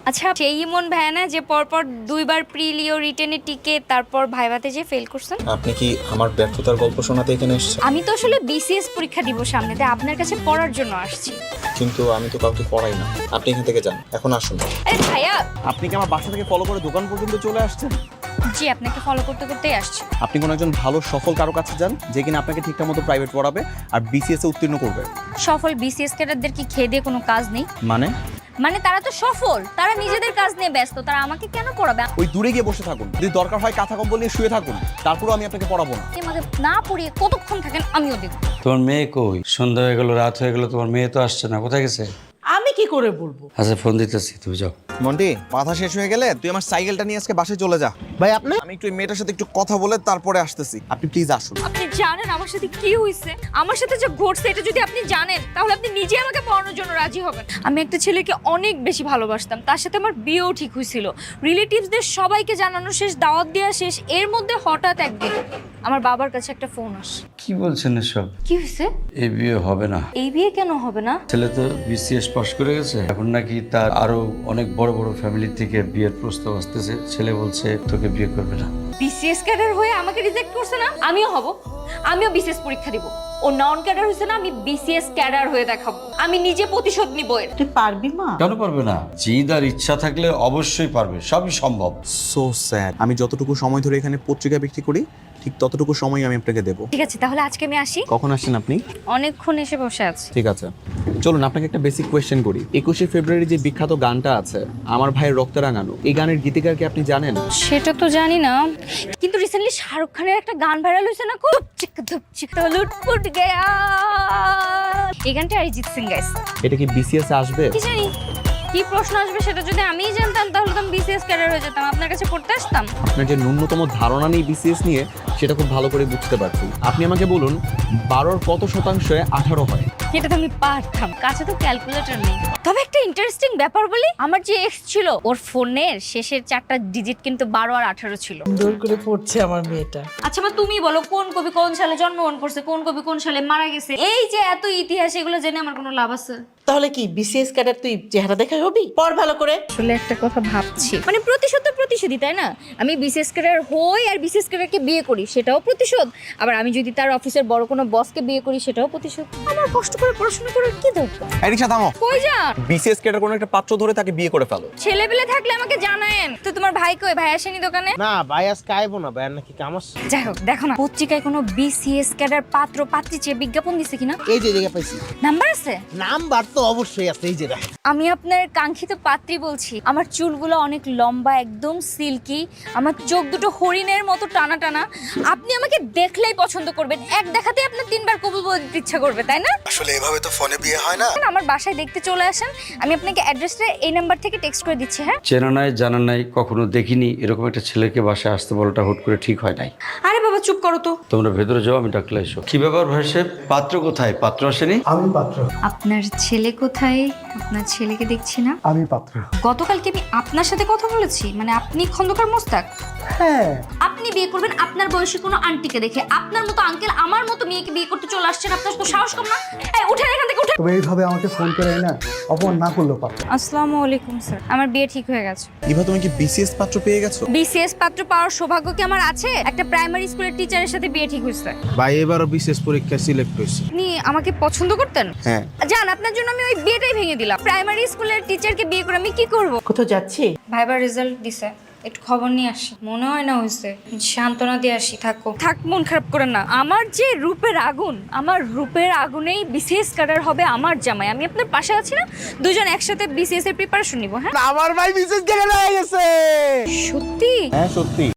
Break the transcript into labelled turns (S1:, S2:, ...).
S1: আচ্ছা, সেই ইমন ভাইয়া না যে পরপর দুইবার প্রিলিও রিটেনে টিকে তারপর ভাইভাতে যে ফেল করছেন?
S2: আপনি কি আমার ব্যর্থতার গল্প শোনাতে এখানে এসেছেন?
S1: আমি তো আসলে বিসিএস পরীক্ষা দিব সামনে, তাই আপনার কাছে পড়ার জন্য আসছি।
S2: কিন্তু আমি তো কাউকে পড়াই না। আপনি এখান থেকে যান, এখন আসুন।
S1: আরে ভাইয়া!
S2: আপনি কি আমার বাসা থেকে ফলো করে দোকান পর্যন্ত চলে আসছেন?
S1: জি, আপনাকে ফলো করতে করতেই আসছি।
S2: আপনি কোন একজন ভালো সফল কারো কাছে যান, যে কিনা আপনাকে ঠিকঠাক মতো প্রাইভেট পড়াবে আর বিসিএস এ উত্তীর্ণ করবে।
S1: সফল বিসিএস ক্যাডারদের কি খেয়ে দিয়ে কোনো কাজ নেই? মানে তারা তো সফল, তারা নিজেদের কাজ নিয়ে ব্যস্ত, তারা আমাকে কেন পড়াবে?
S2: ওই দূরে গিয়ে বসে থাকুন, যদি দরকার হয় কাঁথা কম্বল নিয়ে শুয়ে থাকুন, তারপরেও আমি আপনাকে পড়াবো না।
S1: আপনি আমাকে না পড়িয়ে কতক্ষণ থাকেন আমিও দেখব।
S3: তোমার মেয়ে কই? সন্ধ্যা হয়ে গেল, রাত হয়ে গেল, তোমার মেয়ে তো আসছে না, কোথায় গেছে?
S4: আমি কি করে বলবো?
S3: আচ্ছা, ফোন দিতেছি, তুমি যাও।
S2: মন্টি, মাথা শেষ হয়ে গেলে তুই আমার সাইকেলটা নিয়ে আজকে বাসায় চলে যা।
S4: ভাই আপনি
S2: আমি একটু এই মেয়েটার সাথে একটু কথা বলে তারপরে আসতেছি, আপনি প্লিজ আসুন।
S1: আপনি জানেন আমার সাথে কি হয়েছে? আমার সাথে যে ঘটছে এটা যদি আপনি জানেন তাহলে আপনি নিজে আমাকে পড়ানোর জন্য রাজি হবেন। আমি একটা ছেলেকে অনেক বেশি ভালোবাসতাম, তার সাথে আমার বিয়েও ঠিক হয়েছিল, রিলেটিভসদের সবাইকে জানানো শেষ, দাওয়াত দেওয়া শেষ। এর মধ্যে হঠাৎ একদিন আমার বাবার কাছে একটা ফোন আসে।
S3: কি বলছেন এসব?
S1: কি হয়েছে?
S3: এই বিয়ে হবে না।
S1: এই বিয়ে কেন হবে না?
S3: ছেলে তো বিসিএস পাস করে গেছে, এখন নাকি তার আরো অনেক বড় বড় ফ্যামিলি থেকে বিয়ের প্রস্তাব আসতেছে। ছেলে বলছে তোকে বিয়ে করবে না।
S1: বিসিএস ক্যাডার হয়ে আমাকে রিজেক্ট করছে না? আমিও হব, আমিও বিসিএস পরীক্ষা দিব। ও নন ক্যাডার হয়েছে না, আমি বিসিএস ক্যাডার হয়ে দেখাবো। আমি নিজে প্রতিশোধ নিব এর।
S4: তুই পারবি মা?
S3: কেন পারবে না? জিদ আর ইচ্ছা থাকলে অবশ্যই পারবে, সবই সম্ভব।
S2: So sad. আমি যতটুকু সময় ধরে এখানে পত্রিকা বিক্রি করি, ঠিক ততটুকু সময় আমি আপনাকে দেবো।
S1: ঠিক আছে, তাহলে আজকে আমি আসি।
S2: কখন আসছেন আপনি?
S1: অনেকক্ষণ এসে বসে আছি।
S2: ঠিক আছে, চলুন আপনাকে একটা বেসিক কোয়েশ্চেন করি। 21শে ফেব্রুয়ারি যে বিখ্যাত গানটা আছে, আমার ভাইয়ের রক্তে রাঙানো, এই গানের গীতিকার কি আপনি জানেন?
S1: সেটা তো জানি না, কিন্তু রিসেন্টলি শাহরুখ খানের একটা গান ভাইরাল হয়েছে না, খুব চিক ধুপচিক লুটপুট গয়া। এই গানটা অরিজিৎ সিং গাইছে।
S2: এটা কি বিসিএস এ আসবে?
S1: কি জানি কি প্রশ্ন আসবে, সেটা যদি আমিই জানতাম তাহলে তো আমি বিসিএস ক্যাডার হয়ে যেতাম, আপনার কাছে পড়তে আসতাম।
S2: আপনার যে ন্যূনতম ধারণা নেই বিসিএস নিয়ে, সেটা খুব ভালো করে বুঝতে পারছি। আপনি আমাকে বলুন, 12-র কত শতাংশে 18 হয়?
S1: এটা তো আমি পারতাম, কাছে তো ক্যালকুলেটর নেই। তবে একটা ইন্টারেস্টিং ব্যাপার বলি, আমার যে এক্স ছিল ওর ফোনের শেষের 4টা ডিজিট কিন্তু 12 আর 18 ছিল।
S4: সুন্দর করে পড়ছে আমার মেয়েটা।
S1: আচ্ছা মা, তুমি বলো কোন কবি কোন সালে জন্মগ্রহণ করছে, কোন কবি কোন সালে মারা গেছে? এই যে এত ইতিহাস, এগুলো জেনে আমার কোনো লাভ আছে?
S4: তাহলে কি বিসিএস ক্যাডার তুই চেহারা দেখাই হবি? পড় ভালো করে।
S1: আসলে একটা কথা ভাবছি, মানে প্রতিশোধ তো প্রতিশোধই, তাই না? আমি বিসিএস ক্যাডার হই আর বিসিএস ক্যাডারকে বিয়ে করি, সেটাও প্রতিশোধ। আবার আমি যদি তার অফিসের বড় কোনো বসকে বিয়ে করি, সেটাও প্রতিশোধ। আমার কষ্ট করে পড়াশোনা করার কি দরকার?
S2: এরিশা থামো।
S1: কই যান?
S2: বিসিএস কেটার কোনো একটা পাত্র ধরে তাকে বিয়ে করে ফেলো।
S1: ছেলেবেলে থাকলে আমাকে জানায়েন তো। তোমার ভাই কই? ভাই আসেনি দোকানে?
S5: না ভাই আজকে আইবো না, ভাই নাকি কাম আছে।
S1: যাই হোক, দেখো না পত্রিকায় কোনো বিসিএস ক্যাডার পাত্র পাত্রী চেয়ে বিজ্ঞাপন দিছে কিনা?
S5: এই যে জায়গা পাইছি,
S1: নাম্বার আছে?
S5: নাম্বার তো অবশ্যই আছে, এই যে দেখ।
S1: আমি আপনার কাঙ্ক্ষিত পাত্রী বলছি। আমার চুলগুলো অনেক লম্বা, একদম সিল্কি, আমার চোখ দুটো হরিণের মতো টানা টানা। আপনি আমাকে দেখলেই পছন্দ করবেন, এক দেখাতেই আপনার 3বার কবুল বলে দিতে ইচ্ছা করবে, তাই না?
S2: আসলে এভাবে তো ফোনে বিয়ে হয় না।
S1: আমার বাসায় দেখতে চলে আসেন, আমি আপনাকে অ্যাড্রেসটা এই নাম্বার থেকে টেক্সট করে দিচ্ছি। হ্যাঁ?
S3: চেনা নাই, জানা নাই, কখনো দেখিনি, এরকম একটা ছেলেকে বাসায় আসতে বলাটা হুট করে ঠিক হয় নাই।
S1: আরে বাবা চুপ করো তো।
S3: তোমরা ভেতরে যাও, আমি ডাকলে এসো। কি ব্যাপার ভাই সাহেব, পাত্র কোথায়? পাত্র আসেনি?
S6: আমি পাত্র।
S1: আপনার ছেলে কোথায়? আপনার ছেলেকে দেখছি না।
S6: আমি পাত্র।
S1: গতকালকে আমি আপনার সাথে কথা বলেছি, মানে আপনি খন্দকার মোস্তাক।
S6: হ্যাঁ,
S1: আপনি বিয়ে করবেন আপনার বয়সী কোনো আন্টিকে দেখে। আপনার মতো আঙ্কেল আমার মতো মেয়েকে বিয়ে করতে চলে আসছেন, আপনার তো সাহস কম না? এই উঠেন এখান থেকে, উঠেন।
S6: তবে এইভাবে আমাকে ফোন করে না অপমান না করলেও পারত।
S1: আসসালামু আলাইকুম স্যার, আমার বিয়ে ঠিক হয়ে গেছে।
S2: ইভা, তুমি কি বিসিএস পাত্র পেয়ে গেছো?
S1: বিসিএস পাত্র পাওয়ার সৌভাগ্য কি আমার আছে? একটা প্রাইমারি স্কুলের টিচারের সাথে বিয়ে ঠিক হয়েছে।
S5: ভাই এবারও বিশেষ পরীক্ষায় সিলেক্ট হয়েছে।
S1: আপনি আমাকে পছন্দ করতেন?
S2: হ্যাঁ।
S1: জান, আপনার জন্য আমি ওই বিয়েটাই ভেঙে দিলাম। প্রাইমারি স্কুলের টিচারকে বিয়ে করে আমি কি করব?
S4: কোথাও যাচ্ছি?
S1: ভাইবার রেজাল্ট দিছে, একটু খবর নিয়ে আসি। মনে হয় না হয়েছে, সান্ত্বনা দিয়ে আসি। থাকো, থাক, মন খারাপ করেন না। আমার যে রূপের আগুন, আমার রূপের আগুনেই বিসিএস ক্যাডার হবে আমার জামাই। আমি আপনার পাশে আছি না? দুজন একসাথে বিসিএস এর প্রিপারেশন নিব। হ্যাঁ,
S5: আমার ভাই বিশেষ ক্যাডার হয়ে গেছে।
S1: সত্যি?
S2: হ্যাঁ সত্যি।